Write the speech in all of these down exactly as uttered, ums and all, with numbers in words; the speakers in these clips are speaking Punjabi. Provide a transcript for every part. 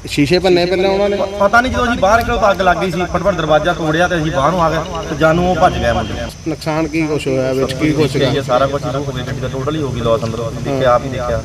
शीशे भन्ने पहले उन्होंने पता नहीं जो बाहर निकले तो अग लग गई सी फटफट दरवाजा तोड़िया तो अं बाहरों आ गए तो जानू वो भज गया मुंडे। नुकसान की कुछ होया विच की कुछ ये सारा कुछ हो गया गड्डी का टोटल ही होगी लॉस अंदर देखे आप ही देखा।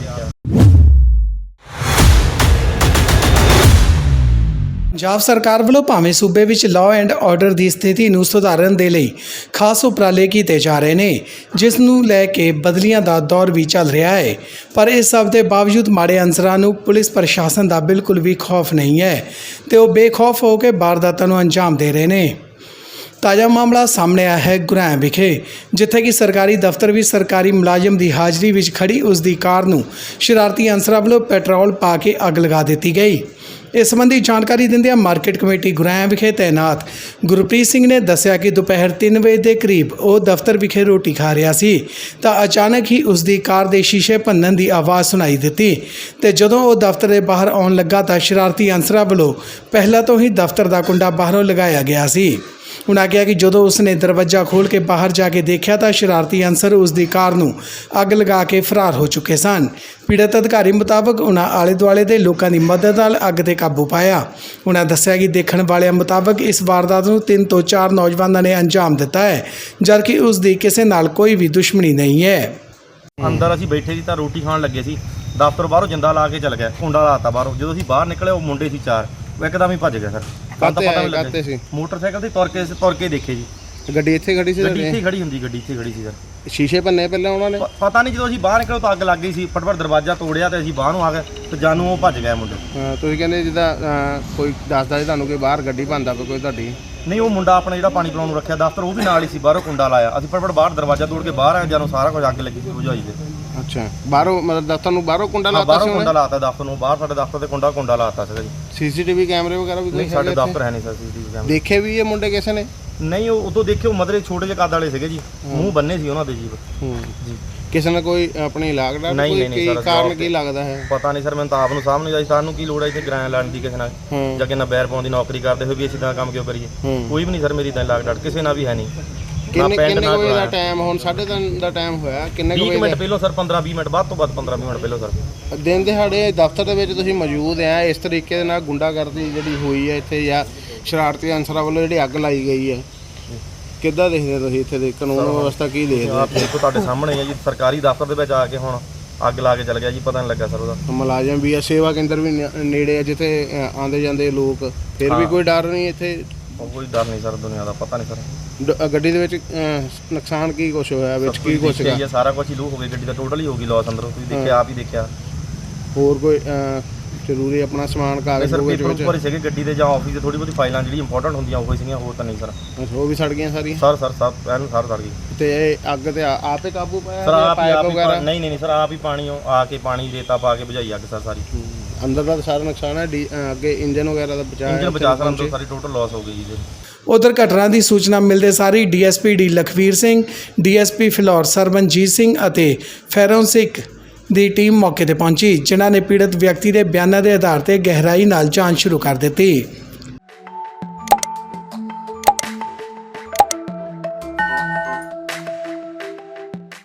ਪੰਜਾਬ ਸਰਕਾਰ ਵੱਲੋਂ ਭਾਵੇਂ ਸੂਬੇ ਵਿੱਚ ਲਾਅ ਐਂਡ ਆਰਡਰ ਦੀ ਸਥਿਤੀ ਨੂੰ ਸੁਧਾਰਨ ਦੇ ਲਈ ਖਾਸ ਉਪਰਾਲੇ ਕੀਤੇ ਜਾ ਰਹੇ ਨੇ, ਜਿਸ ਨੂੰ ਲੈ ਕੇ ਬਦਲੀਆਂ ਦਾ ਦੌਰ ਵੀ ਚੱਲ ਰਿਹਾ ਹੈ। ਪਰ ਇਸ ਸਭ ਦੇ ਬਾਵਜੂਦ ਮਾੜੇ ਅਨਸਰਾਂ ਨੂੰ ਪੁਲਿਸ ਪ੍ਰਸ਼ਾਸਨ ਦਾ ਬਿਲਕੁਲ ਵੀ ਖੌਫ ਨਹੀਂ ਹੈ ਤੇ ਉਹ ਬੇਖੌਫ ਹੋ ਕੇ ਵਾਰਦਾਤਾਂ ਨੂੰ ਅੰਜਾਮ ਦੇ ਰਹੇ ਨੇ। ਤਾਜ਼ਾ ਮਾਮਲਾ ਸਾਹਮਣੇ ਆਇਆ ਹੈ ਗੁਰੈਮ ਵਿਖੇ, ਜਿੱਥੇ ਕਿ ਸਰਕਾਰੀ ਦਫ਼ਤਰ ਵਿੱਚ ਸਰਕਾਰੀ ਮੁਲਾਜ਼ਮ ਦੀ ਹਾਜ਼ਰੀ ਵਿੱਚ ਖੜੀ ਉਸ ਦੀ ਕਾਰ ਨੂੰ ਸ਼ਰਾਰਤੀ ਅਨਸਰਾਂ ਵੱਲੋਂ ਪੈਟਰੋਲ ਪਾ ਕੇ ਅੱਗ ਲਗਾ ਦਿੱਤੀ ਗਈ। ਇਸ ਸੰਬੰਧੀ ਜਾਣਕਾਰੀ ਦਿੰਦਿਆਂ ਮਾਰਕੀਟ ਕਮੇਟੀ ਗੁਰੈਮ ਵਿਖੇ ਤੈਨਾਤ ਗੁਰਪ੍ਰੀਤ ਸਿੰਘ ਨੇ ਦੱਸਿਆ ਕਿ ਦੁਪਹਿਰ ਤਿੰਨ ਵਜੇ ਦੇ ਕਰੀਬ ਉਹ ਦਫ਼ਤਰ ਵਿਖੇ ਰੋਟੀ ਖਾ ਰਿਹਾ ਸੀ ਤਾਂ ਅਚਾਨਕ ਹੀ ਉਸ ਦੀ ਕਾਰ ਦੇ ਸ਼ੀਸ਼ੇ ਭੰਨਣ ਦੀ ਆਵਾਜ਼ ਸੁਣਾਈ ਦਿੱਤੀ ਤੇ ਜਦੋਂ ਉਹ ਦਫ਼ਤਰ ਦੇ ਬਾਹਰ ਆਉਣ ਲੱਗਾ ਤਾਂ ਸ਼ਰਾਰਤੀ ਅਨਸਰਾਂ ਵੱਲੋਂ ਪਹਿਲਾਂ ਤੋਂ ਹੀ ਦਫ਼ਤਰ ਦਾ ਕੁੰਡਾ ਬਾਹਰੋਂ ਲਗਾਇਆ ਗਿਆ ਸੀ। उन्होंने कहा कि जो उसने दरवाजा खोल के बाहर जाके देखा तो शरारती अंसर उसकी कार नूं अग लगा के फरार हो चुके सन। पीड़ित अधिकारी मुताबक उन्होंने आले दुआले के लोगों की मदद नाल अग ते काबू पाया। उन्होंने दस्सिया कि देखण वाले मुताबक इस वारदात नूं तीन तो चार नौजवानों ने अंजाम दिता है, जबकि उसकी किसी नाल कोई भी दुश्मनी नहीं है। अंदर असीं बैठे सी तां रोटी खाण लगे सी, दफ्तर बाहरों जिंदा ला के चल गया, कुंडा लाता बाहरों। जो असीं बाहर निकले वो मुंडे सी चार, वो एकदम ही भज गए सर। काते सी मोटरसाइकिल ते तुर के तुर के देखे जी ਗੱਡੀ ਇੱਥੇ ਖੜੀ ਸੀ ਗੱਡੀ ਇੱਥੇ ਖੜੀ ਹੁੰਦੀ ਗੱਡੀ ਇੱਥੇ ਖੜੀ ਸੀ ਸਰ। ਸ਼ੀਸ਼ੇ ਭੰਨੇ ਪਹਿਲੇ ਉਹਨਾਂ ਨੇ ਪਤਾ ਨਹੀਂ ਜਦੋਂ ਅਸੀਂ ਬਾਹਰ ਨਿਕਲੇ ਤਾਂ ਅੱਗ ਲੱਗ ਗਈ ਸੀ, ਫਟਫਟ ਦਰਵਾਜ਼ਾ ਤੋੜਿਆ ਤੇ ਅਸੀਂ ਬਾਹਰੋਂ ਆ ਗਏ ਤੇ ਜਾਨੂ ਉਹ ਭੱਜ ਗਏ ਮੁੰਡੇ। ਹਾਂ, ਤੁਸੀਂ ਕਹਿੰਦੇ ਜਿੱਦਾਂ ਕੋਈ ਦੱਸਦਾ ਸੀ ਤੁਹਾਨੂੰ ਕਿ ਬਾਹਰ ਗੱਡੀ ਭੰਦਾ ਪਈ ਕੋਈ ਤੁਹਾਡੀ? ਨਹੀਂ, ਉਹ ਮੁੰਡਾ ਆਪਣਾ ਜਿਹੜਾ ਪਾਣੀ ਪਿਲਾਉਣ ਨੂੰ ਰੱਖਿਆ ਦਫ਼ਤਰ ਉਹ ਵੀ ਨਾਲ ਹੀ ਸੀ, ਬਾਹਰੋਂ ਕੁੰਡਾ ਲਾਇਆ। ਅਸੀਂ ਫਟਫਟ ਬਾਹਰ ਦਰਵਾਜ਼ਾ ਤੋੜ ਕੇ ਬਾਹਰ ਆਏ, ਜਾਨੂ ਸਾਰਾ ਕੁਝ ਅੱਗ ਲੱਗੀ ਸੀ ਬੁਝਾਈ ਦੇ। ਅੱਛਾ, ਬਾਹਰੋਂ ਮਤਲਬ ਦਫ਼ਤਰ ਨੂੰ ਬਾਹਰੋਂ ਕੁੰਡਾ ਲਾਤਾ ਸੀ? ਬਾਹਰੋਂ ਕੁੰਡਾ ਲਾਤਾ ਦਫ਼ਤਰ ਨੂੰ, ਬਾਹਰ ਸਾਡੇ ਦਫ਼ਤਰ ਤੇ ਕੁੰਡਾ ਕੁੰਡਾ ਲਾਤਾ ਸੀਗਾ ਜੀ। ਸੀਸੀਟੀਵੀ ਕੈਮਰੇ ਵਗੈਰਾ ਵੀ ਨਹੀਂ, ਸਾਡੇ ਦਫ਼ਤਰ ਹੈ ਨਹੀਂ ਸਰ ਸੀਸੀਟੀਵੀ ਕੈਮਰੇ। ਦੇਖੇ ਵੀ ਇਹ ਮੁੰਡੇ ਕਿਸੇ ਨੇ? ਨਹੀਂ, ਉਹ ਉਦੋਂ ਦੇਖਿਓ ਮਦਰੇ ਛੋਟੇ ਜਿਹੇ ਕੱਦ ਵਾਲੇ ਸੀਗੇ ਜੀ, ਮੂੰਹ ਬੰਨੇ ਸੀ ਉਹਨਾਂ ਦੇ ਜੀ। ਹੂੰ ਜੀ, ਕਿਸੇ ਨੇ ਕੋਈ ਆਪਣੀ ਲਾਗਦਾ ਕੋਈ ਕੀ ਕਾਰਨ ਕੀ ਲੱਗਦਾ ਹੈ? ਪਤਾ ਨਹੀਂ ਸਰ, ਮੈਨੂੰ ਤਾਂ ਆਪ ਨੂੰ ਸਾਹਮਣੇ ਜਾਈ ਸਾਨੂੰ ਕੀ ਲੋੜ ਹੈ ਇੱਥੇ ਕਿਰਾਇਆ ਲੈਣ ਦੀ ਕਿਸੇ ਨਾਲ, ਜਾਂ ਕਿ ਨਾ ਬੈਰ ਪਾਉਣ ਦੀ ਨੌਕਰੀ ਕਰਦੇ ਹੋਏ ਵੀ ਅਸੀਂ ਤਾਂ ਕੰਮ ਕਿਉਂ ਕਰੀਏ? ਕੋਈ ਵੀ ਨਹੀਂ ਸਰ ਮੇਰੀ ਤਾਂ ਲਾਗ ਡਟ ਕਿਸੇ ਨਾਲ ਵੀ ਹੈ ਨਹੀਂ। ਕਿੰਨੇ ਕਿੰਨੇ ਵਜੇ ਦਾ ਟਾਈਮ ਹੁਣ? ਸਾਢੇ ਤਿੰਨ ਦਾ ਟਾਈਮ ਹੋਇਆ। ਕਿੰਨੇ ਵੀਹ ਮਿੰਟ ਪਹਿਲਾਂ ਸਰ, ਪੰਦਰਾਂ ਵੀਹ ਮਿੰਟ ਬਾਅਦ ਤੋਂ ਬਾਅਦ ਪੰਦਰਾਂ ਵੀਹ ਮਿੰਟ ਪਹਿਲਾਂ ਸਰ। ਦਿਨ ਦਿਹਾੜੇ ਦਫ਼ਤਰ ਦੇ ਵਿੱਚ ਤੁਸੀਂ ਮੌਜੂਦ ਆ, ਇਸ ਤਰੀਕੇ ਦੇ ਨਾਲ ਗੁੰਡਾਗਰਦੀ ਜਿਹੜੀ ਹੋਈ ਹੈ ਇੱਥੇ ਜਾਂ ਸ਼ਰਾਰਤੀ ਅਨਸਰਾਂ ਵੱਲੋਂ ਜਿਹੜੀ ਅੱਗ ਲਾਈ ਗਈ ਹੈ, ਕਿੱਦਾਂ ਦੇਖਦੇ ਤੁਸੀਂ ਇੱਥੇ ਦੇ ਕਾਨੂੰਨ ਵਿਵਸਥਾ ਕੀ ਦੇਖਦੇ? ਆਪ ਦੇਖੋ ਤੁਹਾਡੇ ਸਾਹਮਣੇ ਹੈ ਜੀ, ਸਰਕਾਰੀ ਦਫ਼ਤਰ ਦੇ ਵਿੱਚ ਆ ਕੇ ਹੁਣ ਅੱਗ ਲਾ ਕੇ ਚਲ ਗਿਆ ਜੀ, ਪਤਾ ਨਹੀਂ ਲੱਗਾ ਸਰ ਉਹਦਾ। ਮੁਲਾਜ਼ਮ ਵੀ ਆ, ਸੇਵਾ ਕੇਂਦਰ ਵੀ ਨੇੜੇ ਆ ਜਿੱਥੇ ਆਉਂਦੇ ਜਾਂਦੇ ਲੋਕ, ਫਿਰ ਵੀ ਕੋਈ ਡਰ ਨਹੀਂ ਇੱਥੇ? ਕੋਈ ਡਰ ਨਹੀਂ ਸਰ ਦੁਨੀਆ ਦਾ, ਪਤਾ ਨਹੀਂ ਸਰ। ਗੱਡੀ ਦੇ ਵਿੱਚ ਨੁਕਸਾਨ ਕੀ ਕੁਛ ਹੋਇਆ ਵਿੱਚ ਕੀ ਕੁਛ ਹੈ? ਸਾਰਾ ਕੁਝ ਹੀ ਲੂਹ ਹੋ ਗਈ, ਗੱਡੀ ਦਾ ਟੋਟਲ ਹੀ ਹੋ ਗਈ ਲॉस ਅੰਦਰੋਂ, ਤੁਸੀਂ ਦੇਖਿਆ ਆਪ ਹੀ ਦੇਖਿਆ। ਹੋਰ ਕੋਈ ਜ਼ਰੂਰੀ ਆਪਣਾ ਸਮਾਨ ਕਾਗਜ਼ ਸਰ ਪੇਪਰ ਉੱਪਰ ਸੀਗੇ ਗੱਡੀ ਦੇ ਜਾਂ ਆਫਿਸ ਦੇ, ਥੋੜੀ ਬਹੁਤੀ ਫਾਈਲਾਂ ਜਿਹੜੀ ਇੰਪੋਰਟੈਂਟ ਹੁੰਦੀਆਂ ਉਹ ਸੀਗੀਆਂ, ਹੋਰ ਤਾਂ ਨਹੀਂ ਸਰ। ਉਹ ਵੀ ਸੜ ਗਈਆਂ ਸਾਰੀਆਂ? ਸਰ ਸਰ ਸਭ ਐਨ ਸਾਰ ਸੜ ਗਈ। ਤੇ ਇਹ ਅੱਗ ਤੇ ਆਪੇ ਕਾਬੂ ਪਾਇਆ ਸਰ? ਆਪ ਹੀ ਆਪ ਨਹੀਂ ਨਹੀਂ ਸਰ, ਆਪ ਹੀ ਪਾਣੀ ਆ ਕੇ ਪਾਣੀ ਰੇਤਾ ਪਾ ਕੇ ਬੁਝਾਈ ਅੱਗ ਸਰ ਸਾਰੀ। ਅੰਦਰ ਦਾ ਸਾਰਾ ਨੁਕਸਾਨ ਹੈ, ਅੱਗੇ ਇੰਜਨ ਵਗੈਰਾ ਦਾ ਬਚਾਅ ਇੰਜਨ ਬਚਾ ਸਰ, ਅੰਦਰ ਸਾਰੀ ਟੋਟਲ ਲॉस ਹੋ ਗਈ ਜੀ। ਉਧਰ ਘਟਨਾ ਦੀ ਸੂਚਨਾ ਮਿਲਦੇ ਸਾਰੀ ਡੀਐਸਪੀ ਡੀ ਲਖਵੀਰ ਸਿੰਘ, ਡੀਐਸਪੀ ਫਿਲੌਰ ਸਰਬਨਜੀਤ ਸਿੰਘ ਅਤੇ ਫੋਰੈਂਸਿਕ ਦੀ ਟੀਮ ਮੌਕੇ ਤੇ ਪਹੁੰਚੀ, ਜਿਨ੍ਹਾਂ ਨੇ ਪੀੜਤ ਵਿਅਕਤੀ ਦੇ ਬਿਆਨਾਂ ਦੇ ਆਧਾਰ ਤੇ ਗਹਿਰਾਈ ਨਾਲ ਜਾਂਚ ਸ਼ੁਰੂ ਕਰ ਦਿੱਤੀ।